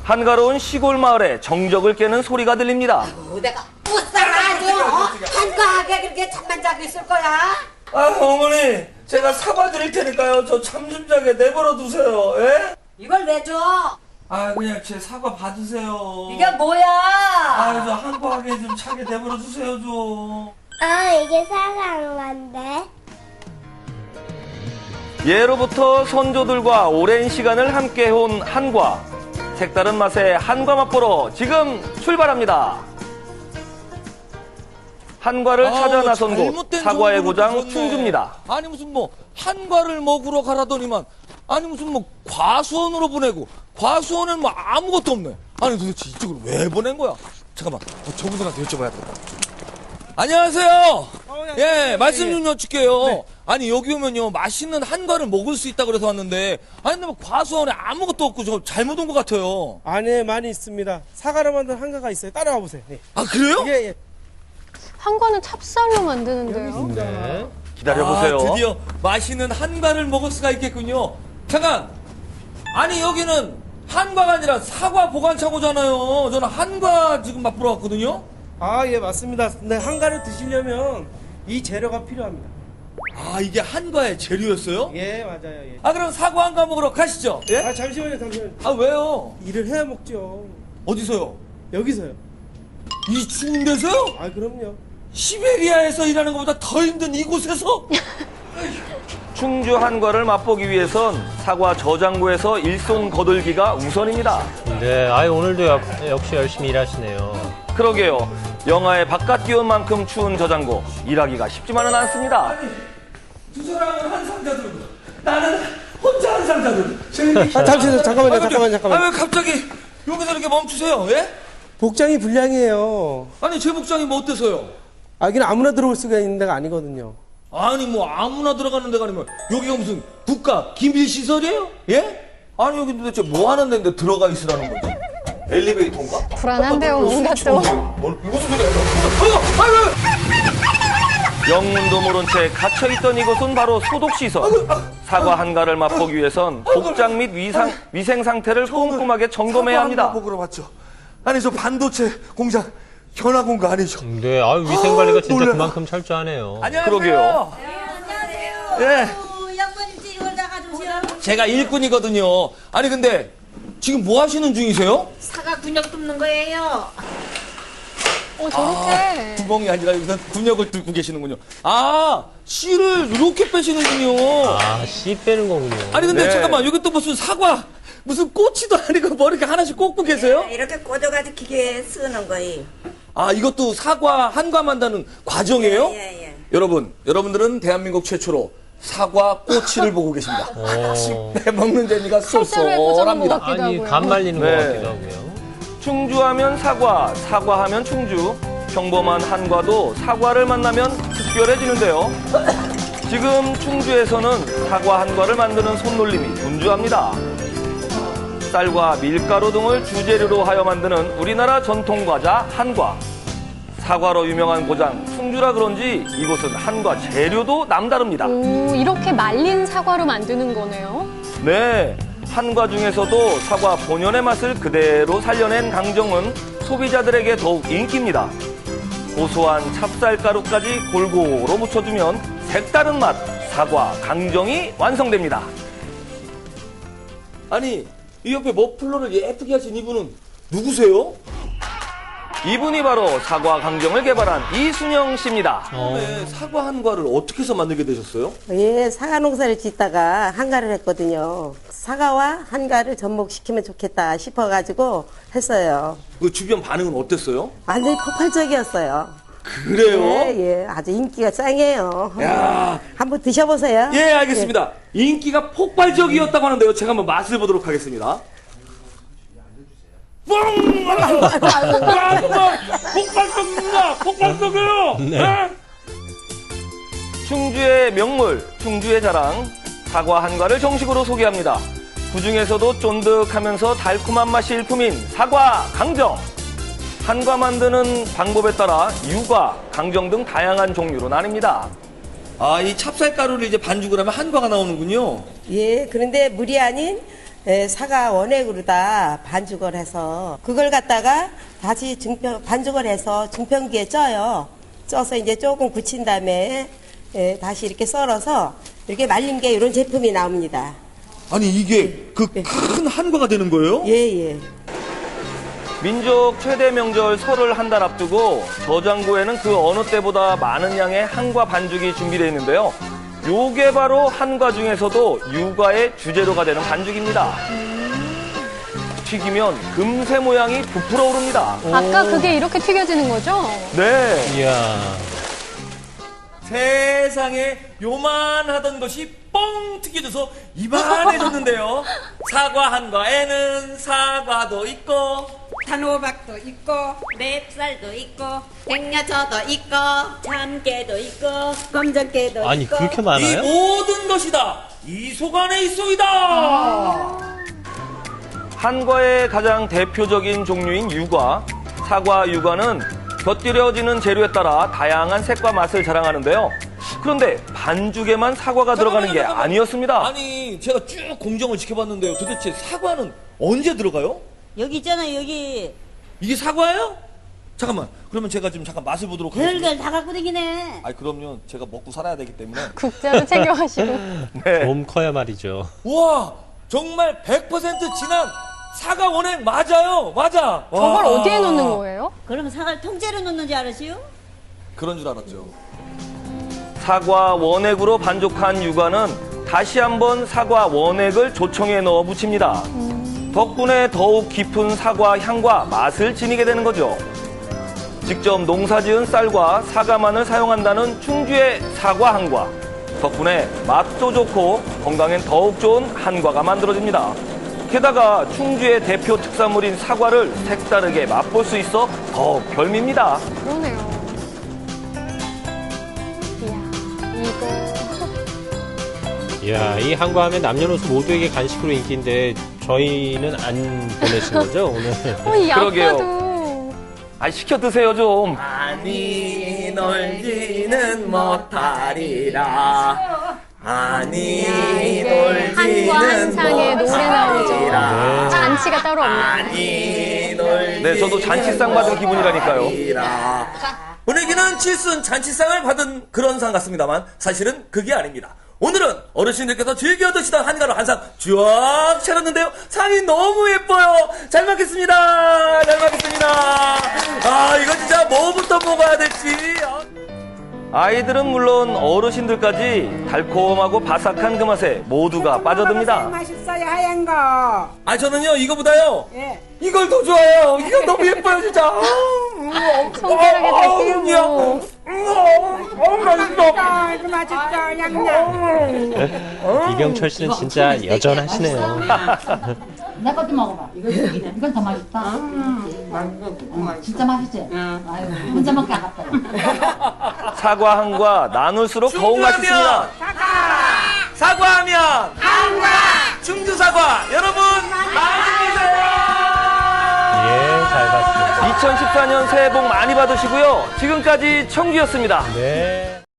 한가로운 시골 마을에 정적을 깨는 소리가 들립니다. 내가 못살아도 한가하게 그렇게 잠만 자고 있을 거야? 아, 어머니, 제가 사과 드릴 테니까요. 저 잠 좀 자게 내버려 두세요. 예? 이걸 왜 줘? 아, 그냥 제 사과 받으세요. 이게 뭐야? 아, 저 한가하게 좀 차게 내버려 두세요, 좀. 이게 사과한 건데. 예로부터 선조들과 오랜 시간을 함께 해온 한과. 색다른 맛의 한과 맛보러 지금 출발합니다. 한과를 찾아 나선 곳, 잘못된 사과의 정보를 고장 줬네. 충주입니다. 아니 무슨 뭐 한과를 먹으러 가라더니만 아니 무슨 뭐 과수원으로 보내고 과수원엔 뭐 아무것도 없네. 아니 도대체 이쪽으로 왜 보낸 거야? 잠깐만 저분들한테 여쭤봐야겠다. 안녕하세요. 예, 말씀 좀 여쭐게요. 네. 아니 여기 오면요 맛있는 한과를 먹을 수 있다 그래서 왔는데 아니 근데 뭐 과수원에 아무것도 없고 저 잘못 온 것 같아요. 안에 많이 있습니다. 사과로 만든 한가가 있어요. 따라와 보세요. 예. 아 그래요? 예. 한과는 찹쌀로 만드는데요. 네. 기다려보세요. 아, 드디어 맛있는 한과를 먹을 수가 있겠군요. 잠깐! 아니, 여기는 한과가 아니라 사과 보관차고잖아요. 저는 한과 지금 맛보러 왔거든요. 예, 맞습니다. 근데 한가를 드시려면 이 재료가 필요합니다. 아, 이게 한과의 재료였어요? 예, 맞아요. 예. 아, 그럼 사과 한과 먹으러 가시죠. 예? 잠시만요. 아, 왜요? 일을 해야 먹죠. 어디서요? 여기서요. 이 추운 데서요? 그럼요. 시베리아에서 일하는 것보다 더 힘든 이곳에서? 충주 한과를 맛보기 위해선 사과 저장고에서 일손 거들기가 우선입니다. 네, 오늘도 역시 열심히 일하시네요. 그러게요. 영하의 바깥 기온만큼 추운 저장고, 일하기가 쉽지만은 않습니다. 아니, 두 사람은 한 상자 들고 나는 혼자 한 상자 들고. 잠깐만요. 아, 왜 갑자기 여기서 이렇게 멈추세요? 예? 복장이 불량이에요. 아니, 제 복장이 뭐 어때서요? 여기는 아무나 들어올 수가 있는 데가 아니거든요. 아니 뭐 아무나 들어가는 데가 아니면 여기가 무슨 국가 기밀시설이에요? 예? 아니 여기 도대체 뭐 하는 데인데 들어가 있으라는 거지? 엘리베이터인가? 불안한데요, 뭔가 또. 무슨 소리야? 영문도 모른 채 갇혀있던 이곳은 바로 소독시설. 사과 한가를 맛보기 위해선 복장 및 위생 상태를 꼼꼼하게 점검해야 합니다. 보러 왔죠. 아니 저 반도체 공장 견학 온 거 아니죠? 네, 위생관리가 진짜 놀래라. 그만큼 철저하네요. 안녕하세요. 그러게요. 안녕하세요. 예. 양반님 이걸 나가주세요. 제가 일꾼이거든요. 아니 근데 지금 뭐 하시는 중이세요? 사과 군역 뚫는 거예요. 저렇게. 구멍이 아니라 여기서 군역을 뚫고 계시는군요. 아, 씨를 이렇게 빼시는군요. 씨 빼는 거군요. 아니 근데 네. 잠깐만 여기 또 무슨 사과 무슨 꼬치도 아니고 뭐 이렇게 하나씩 꽂고 계세요? 이렇게 꽂아가지고 기계에 쓰는 거예요. 아 이것도 사과 한과 만드는 과정이에요? 예. 여러분들은 대한민국 최초로 사과 꼬치를 보고 계십니다. 씹내 먹는 재미가 실제로 해보자는 것 쏠쏠합니다. 같기도 하고요. 간 말리는 네. 것 같기도 하고요. 충주하면 사과, 사과하면 충주. 평범한 한과도 사과를 만나면 특별해지는데요. 지금 충주에서는 사과 한과를 만드는 손놀림이 분주합니다. 쌀과 밀가루 등을 주재료로 하여 만드는 우리나라 전통 과자 한과. 사과로 유명한 고장 충주라 그런지 이곳은 한과 재료도 남다릅니다. 이렇게 말린 사과로 만드는 거네요. 네, 한과 중에서도 사과 본연의 맛을 그대로 살려낸 강정은 소비자들에게 더욱 인기입니다. 고소한 찹쌀가루까지 골고루 묻혀주면 색다른 맛 사과 강정이 완성됩니다. 아니 이 옆에 머플러를 예쁘게 하신 이분은 누구세요? 이분이 바로 사과 강정을 개발한 이순영 씨입니다. 처음에 사과 한과를 어떻게 해서 만들게 되셨어요? 예, 사과 농사를 짓다가 한가를 했거든요. 사과와 한가를 접목시키면 좋겠다 싶어가지고 했어요. 그 주변 반응은 어땠어요? 완전히 폭발적이었어요. 그래요? 예, 아주 인기가 짱이에요. 야. 한번 드셔보세요. 예, 알겠습니다. 인기가 폭발적이었다고 하는데요. 제가 한번 맛을 보도록 하겠습니다. 폭발적입니다. 폭발적이에요. 네. 충주의 명물, 충주의 자랑, 사과 한과를 정식으로 소개합니다. 그중에서도 쫀득하면서 달콤한 맛이 일품인 사과 강정. 한과 만드는 방법에 따라 유과, 강정 등 다양한 종류로 나뉩니다. 아, 이 찹쌀가루를 이제 반죽을 하면 한과가 나오는군요. 예, 그런데 물이 아닌 사과 원액으로 다 반죽을 해서 그걸 갖다가 다시 반죽을 해서 증평기에 쪄요. 쪄서 이제 조금 굳힌 다음에 다시 이렇게 썰어서 이렇게 말린 게 이런 제품이 나옵니다. 아니 이게 그 큰 한과가 되는 거예요? 예. 민족 최대 명절 설을 한 달 앞두고 저장고에는 그 어느 때보다 많은 양의 한과 반죽이 준비되어 있는데요. 요게 바로 한과 중에서도 유과의 주재료가 되는 반죽입니다. 튀기면 금세 모양이 부풀어 오릅니다. 아까 그게 이렇게 튀겨지는 거죠? 네. 이야. 세상에 요만하던 것이 뻥 튀겨져서 이만해졌는데요. 사과 한과에는 사과도 있고 단호박도 있고 맵쌀도 있고 갱야초도 있고 참깨도 있고 검정깨도 아니, 있고 그렇게 이 많아요? 모든 것이다 이 속 안에 있소이다. 한과의 가장 대표적인 종류인 유과. 사과 유과는 곁들여지는 재료에 따라 다양한 색과 맛을 자랑하는데요. 그런데 반죽에만 사과가 들어가는 게 잠깐만요. 아니었습니다. 아니 제가 쭉 공정을 지켜봤는데요. 도대체 사과는 언제 들어가요? 여기 있잖아요, 여기. 이게 사과예요? 잠깐만 그러면 제가 지금 잠깐 맛을 보도록 하겠습니다. 별걸 다 갖고 다니네. 아니 그럼요 제가 먹고 살아야 되기 때문에. 국자로 챙겨가시고. 네. 좀 커야 말이죠. 우와 정말 100% 진한 사과 원액 맞아요. 맞아. 저걸 와. 어디에 넣는 거예요? 그러면 사과를 통째로 넣는지 알았어요? 그런 줄 알았죠. 사과 원액으로 반죽한 유과는 다시 한번 사과 원액을 조청에 넣어 묻힙니다. 덕분에 더욱 깊은 사과 향과 맛을 지니게 되는 거죠. 직접 농사지은 쌀과 사과만을 사용한다는 충주의 사과 한과. 덕분에 맛도 좋고 건강엔 더욱 좋은 한과가 만들어집니다. 게다가 충주의 대표 특산물인 사과를 색다르게 맛볼 수 있어 더욱 별미입니다. 그러네요. 이야, 이야, 이 한과 하면 남녀노소 모두에게 간식으로 인기인데 저희는 안 보내신 거죠, 오늘? 이 그러게요. 아빠도. 아, 시켜 드세요 좀. 아니 놀지는 못하리라. 아니 한과 한상에 노래 나오죠. 네. 잔치가 따로 없네요. 아니 놀. 네, 저도 잔치상 받은 기분이라니까요. 분위기는 칠순 잔치상을 받은 그런 상 같습니다만 사실은 그게 아닙니다. 오늘은 어르신들께서 즐겨 드시던 한가로 한 상 쫙 차렸는데요. 상이 너무 예뻐요. 잘 먹겠습니다. 잘 먹겠습니다. 아 이거 진짜 뭐부터 먹어야 될지. 아이들은 물론 어르신들까지 달콤하고 바삭한 그 맛에 모두가 빠져듭니다. 맛있어요 하얀 거. 아 저는요 이거보다요 예. 이걸 더 좋아해요. 이거 너무 예뻐요 진짜. 손가락에 다 끼우고. 맛있어. 아이고 맛있어 양념. 이경철 씨는 진짜 여전하시네요. 내 것도 먹어봐. 이건 더 맛있다. 진짜 맛있지? 아유, 혼자 먹기 아깝다. 사과 한과 나눌수록 더욱 맛있습니다. 사과하면 한과 충주 사과 여러분 많이 드세요. 예, 잘 봤습니다. 2014년 새해 복 많이 받으시고요. 지금까지 청주였습니다. 네.